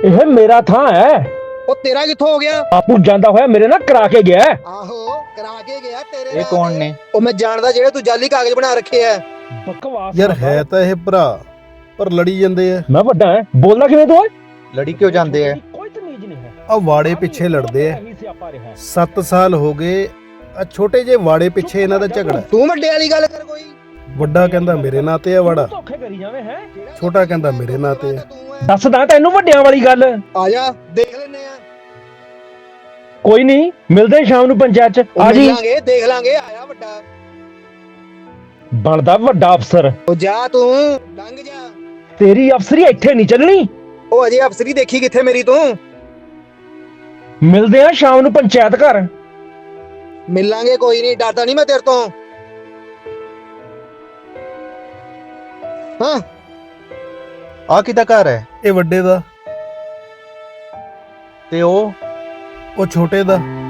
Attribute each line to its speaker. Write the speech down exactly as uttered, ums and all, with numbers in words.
Speaker 1: ਇਹ ਮੇਰਾ ਥਾਂ ਹੈ।
Speaker 2: ਉਹ ਤੇਰਾ ਕਿੱਥੋਂ ਹੋ ਗਿਆ?
Speaker 1: ਆਪੂ ਜਾਂਦਾ ਹੋਇਆ ਮੇਰੇ ਨਾਲ ਕਰਾ ਕੇ ਗਿਆ ਹੈ।
Speaker 2: ਆਹੋ ਕਰਾ ਕੇ ਗਿਆ ਤੇਰੇ
Speaker 3: ਇਹ
Speaker 2: ਨਾਲ
Speaker 3: ਕੌਣ
Speaker 2: ਤੇ।
Speaker 3: ਨੇ?
Speaker 2: ਉਹ ਮੈਂ ਜਾਣਦਾ ਜਿਹੜੇ ਤੂੰ ਜਾਲੀ ਕਾਗਜ਼ ਬਣਾ ਰੱਖੇ ਆ।
Speaker 1: ਬਕਵਾਸ
Speaker 4: ਯਾਰ
Speaker 1: ਨਾ ਕਰ।
Speaker 4: ਹੈ ਤਾਂ ਇਹ ਭਰਾ, ਪਰ ਲੜੀ ਜਾਂਦੇ ਆ।
Speaker 1: ਮੈਂ ਵੱਡਾ ਹੈ, ਬੋਲਣਾ ਕਿਵੇਂ ਤੂੰ ਓਏ?
Speaker 3: ਲੜੀ ਕਿਉਂ ਜਾਂਦੇ ਆ?
Speaker 1: ਕੋਈ ਤਮੀਜ਼ ਨਹੀਂ ਹੈ।
Speaker 4: ਆ ਵਾੜੇ ਪਿੱਛੇ ਲੜਦੇ ਆ।
Speaker 1: ਇਹੀ ਸਿਆਪਾ ਰਿਹਾ ਹੈ।
Speaker 4: ਸੱਤ ਸਾਲ ਹੋ ਗਏ ਆ ਛੋਟੇ ਜਿਹੇ ਵਾੜੇ ਪਿੱਛੇ ਇਹਨਾਂ ਦਾ ਝਗੜਾ।
Speaker 2: ਤੂੰ ਵੱਡੇ ਵਾਲੀ ਗੱਲ ਕਰ ਕੋਈ।
Speaker 4: ਵੱਡਾ ਕਹਿੰਦਾ ਮੇਰੇ ਨਾਂ ਤੇ ਆ ਵਾੜਾ,
Speaker 1: ਧੋਖੇ ਕਰੀ ਜਾਵੇਂ ਹੈ।
Speaker 4: ਛੋਟਾ ਕਹਿੰਦਾ ਮੇਰੇ ਨਾਂ ਤੇ ਆ।
Speaker 1: ਦੱਸਦਾ ਤੈਨੂੰ ਵੱਡਿਆਂ ਵਾਲੀ ਗੱਲ।
Speaker 2: ਆ ਜਾ ਦੇਖ ਲੈਨੇ ਆ।
Speaker 1: ਕੋਈ ਨਹੀਂ, ਮਿਲਦੇ ਹਾਂ ਸ਼ਾਮ ਨੂੰ ਪੰਚਾਇਤ ਚ।
Speaker 2: ਉਹ
Speaker 1: ਆ ਜੀ।
Speaker 2: ਮਿਲਾਂਗੇ ਦੇਖ ਲਾਂਗੇ। ਆਇਆ ਵੱਡਾ
Speaker 1: ਬਣਦਾ ਵੱਡਾ ਅਫਸਰ।
Speaker 2: ਉਹ ਜਾ ਤੂੰ ਲੰਘ ਜਾ।
Speaker 1: ਤੇਰੀ ਅਫਸਰੀ ਇੱਥੇ ਨਹੀਂ ਚੱਲਣੀ।
Speaker 2: ਉਹ ਅਜੇ ਅਫਸਰੀ ਦੇਖੀ ਕਿੱਥੇ ਮੇਰੀ ਤੂੰ।
Speaker 1: ਮਿਲਦੇ ਹਾਂ ਸ਼ਾਮ ਨੂੰ ਪੰਚਾਇਤ ਘਰ।
Speaker 2: ਮਿਲਾਂਗੇ ਕੋਈ ਨਹੀਂ, ਡਰਦਾ ਨਹੀਂ ਮੈਂ ਤੇਰੇ ਤੋਂ। ਹਾਂ
Speaker 3: ਆ ਕਿਹਦਾ ਘਰ ਹੈ?
Speaker 4: ਇਹ ਵੱਡੇ ਦਾ,
Speaker 3: ਤੇ ਉਹ
Speaker 4: ਉਹ ਛੋਟੇ ਦਾ।